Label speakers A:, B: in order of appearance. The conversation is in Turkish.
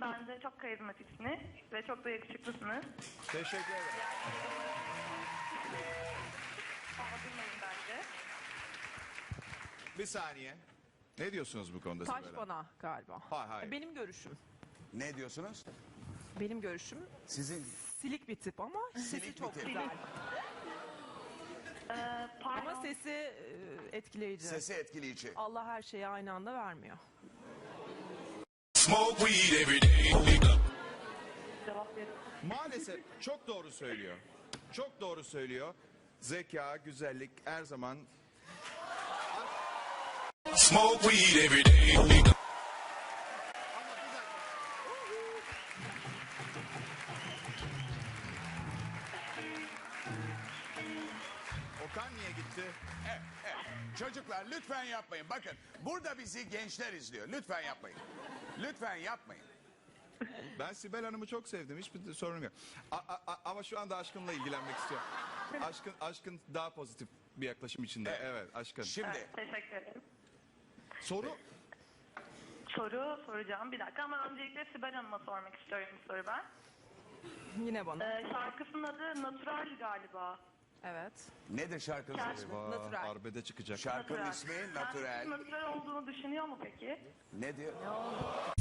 A: Bence çok karizmatiksiniz ve çok da yakışıklısınız.
B: Teşekkür ederim.
A: Anlatılmayın bence.
B: Bir saniye. Ne diyorsunuz bu konuda
C: Taş
B: Sibel Hanım?
C: bana galiba.
B: Hayır.
C: Benim görüşüm.
D: Ne diyorsunuz?
C: Benim görüşüm
D: Sizin
C: silik bir tip ama sesi
D: Silik bir
C: çok
D: tip.
C: güzel.
A: Pardon.
C: Ama sesi etkileyici.
D: sesi etkileyici.
C: Allah her şeyi aynı anda vermiyor.
E: Smoke weed every day.
A: Cevap verin.
B: Maalesef çok doğru söylüyor. Çok doğru söylüyor. Zeka, güzellik her zaman...
E: Smoke weed every day.
B: Ama bir dakika. Okan niye gitti?
D: Evet, evet. Çocuklar lütfen yapmayın. Bakın burada bizi gençler izliyor. Lütfen yapmayın. Lütfen yapmayın.
B: Ben Sibel Hanım'ı çok sevdim. Hiçbir sorun yok. Ama şu anda aşkınla ilgilenmek istiyorum. Aşkın daha pozitif bir yaklaşım içinde.
D: Evet.
B: Evet, aşkın.
D: Şimdi
A: Evet, teşekkür ederim.
B: Soru
A: Soru soracağım bir dakika ama öncelikle Sibel Hanım'a sormak istiyorum bir soru ben.
C: Yine bana.
A: Şarkısının adı Natural galiba.
C: Evet.
D: nedir şarkının ismi?
C: Natural.
B: arbede çıkacak.
D: Şarkının
A: Natural.
D: ismi
A: Kendisi
D: Natural.
A: natural olduğunu düşünüyor mu peki?
D: Ne diyor?